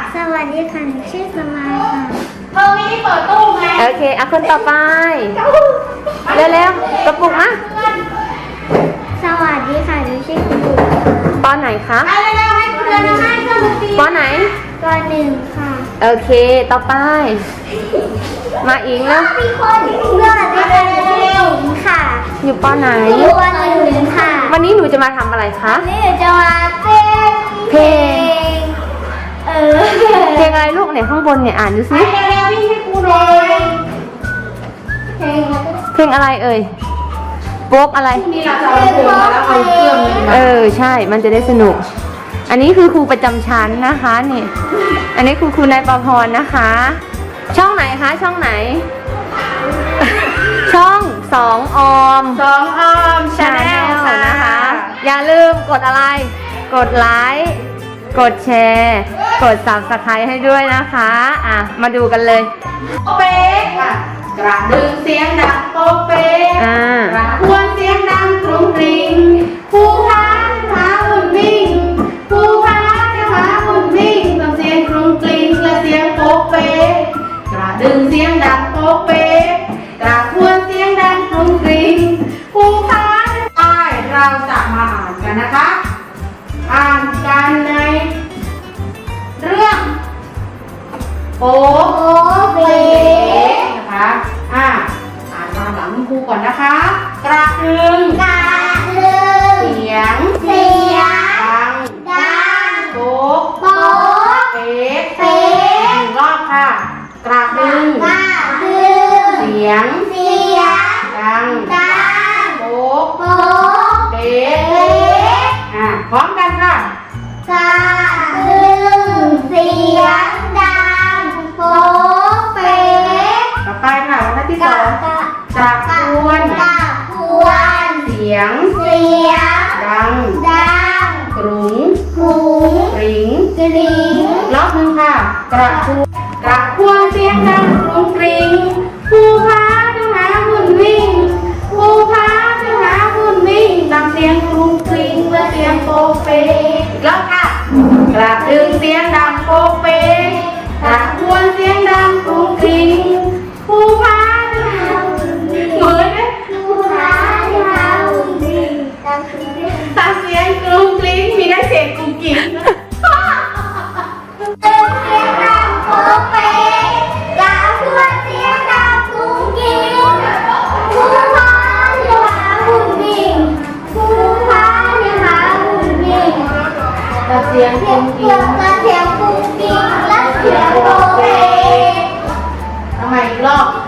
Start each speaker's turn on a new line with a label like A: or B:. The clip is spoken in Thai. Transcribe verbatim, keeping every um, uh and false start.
A: สวัสดีค่ะหนูชื่อสมายค่ะ
B: เธอไม่ได้เปิดตู้ไง
C: โอเคเอาคนต่อไปเร็วๆกระปุกอ่ะ
A: สวัสดีค่ะหนูชื่อคุณบุ๋ม
C: ปอไหนคะ
B: ไปเร็วๆให้คุณเดินให้เครื่องดนตรี
C: ปอไหน
A: ปหนึ่งค่ะ
C: โอเคต่อไป มาอิงแล้ว
A: มีคนสวัสดีค่ะหนูชื่อหญิงค่ะ
C: อยู่ปอไหน
A: อยู่ปหนึ่งค่ะ
C: วันนี้หนูจะมาทำอะไรคะ
A: วันนี้หนูจะมาเต้น
C: เพลง
A: เออ
C: เพลงอะไรลูกเนี่ยข้างบนเนี่ยอ่านดู
B: ไป
C: สิ
B: เร็วๆวิ่งให้ครูหน่อย
A: เพลงอะไร
C: เพลงอะไรเอ่ยโป๊กอะไร
B: นี่เราจะเอาโฟมมาแล้วเอาเครื่องนี้มา
C: เออใช่มันจะได้สนุก อันนี้คือครูประจำชั้นนะคะนี่อันนี้ครูครูนายประพรนะคะ ช่องไหนคะช่องไหน ช่องสองออม
B: สองออมชา
C: ชา
B: แน
C: แน
B: ล
C: ล
B: ค่ะ
C: นะคะ อย่าลืมกดอะไร กดไลค์กดแชร์กด ซับสไครบ์ ให้ด้วยนะคะอ่ะมาดูกันเลย
B: โป๊กเป๊กอ่ะกระดึงเสียงดังโป๊กเป๊ก
C: อ่า
B: กระทวนเสียงดังกรุงกริงผู้พานหาหุ่นวิ่งผู้พานจะหาหุ่นวิ่งต้องเสียงกรุงกริงและเสียงโป๊กเป๊กกระดึงเสียงดังโป๊กเป๊กกระทวนเสียงดังกรุงกริงผู้พานไปเราจะมาอ่านกันนะคะ อ่านกันในเรื่องโป๊ก
A: โอ้เป๊ะ
B: นะคะอ่าอ่านตามหลังคุณครูก่อนนะคะ กระดึง
A: กาลึง
B: เสียง
A: เสียง
B: ดัง
A: ดัง
B: โป๊ก
A: โป๊ะ
B: เป๊ก
A: เป๊ะ
B: หนึ่งรอบค่ะ กระดึง
A: กาลึง
B: เสียง
A: เสียง
B: ดัง
A: ดัง
B: โป๊ก
A: โป๊ะ
B: เป๊
A: เป๊
B: ก
A: ะ
B: อ่าพร้อมกันค่ะ
A: กาลึงเสียงดังโป๊ะเป๊ะ
B: ต่อไปค่ะบรรทัดที่ส
A: กา
B: อง
A: กาก
B: ระทวน
A: กาพวน
B: เสียง
A: เสียง
B: ดัง
A: ดัง
B: กรุง
A: หุง
B: ริง
A: กริง
B: รอบหนึ่งค่ะ กระทวนกระทวนเสียงดังกรุงกริงผู้พาจะหาหุ่นวิ่งผู้พาจะหาหุ่นวิ่งดังเสียงกรุงกริงและเสียงโป๊กเป๊กอีกรอบค่ะ กระดึงเสียงดังโป๊กเป๊กกระทวนเสียงดังกรุงกริงผู้พาจะหาหุ่นวิ่งเหมือนไหม
A: ผู้ค้าที่หาหุ่นวิ่งดังคือเรื่อง
B: ตามเสียงกรุงกริงมีได้เสียงกรุงกริง
A: เสียงดังโป๊ะเป๊ะกาพวนเสียงดังกุ้งกิ้งผู้ค้าที่หาหุ่นวิ่งผู้ค้าที่หาหุ่นวิ่ง
B: ตามเสียงก
A: เสี
B: รุ
A: ยง
B: งกริ
A: เสีย
B: ง
A: งเสียงกุ้งกิ้งและเสียงโป๊ะเป๊ะ
B: ทำไมอีกรอบ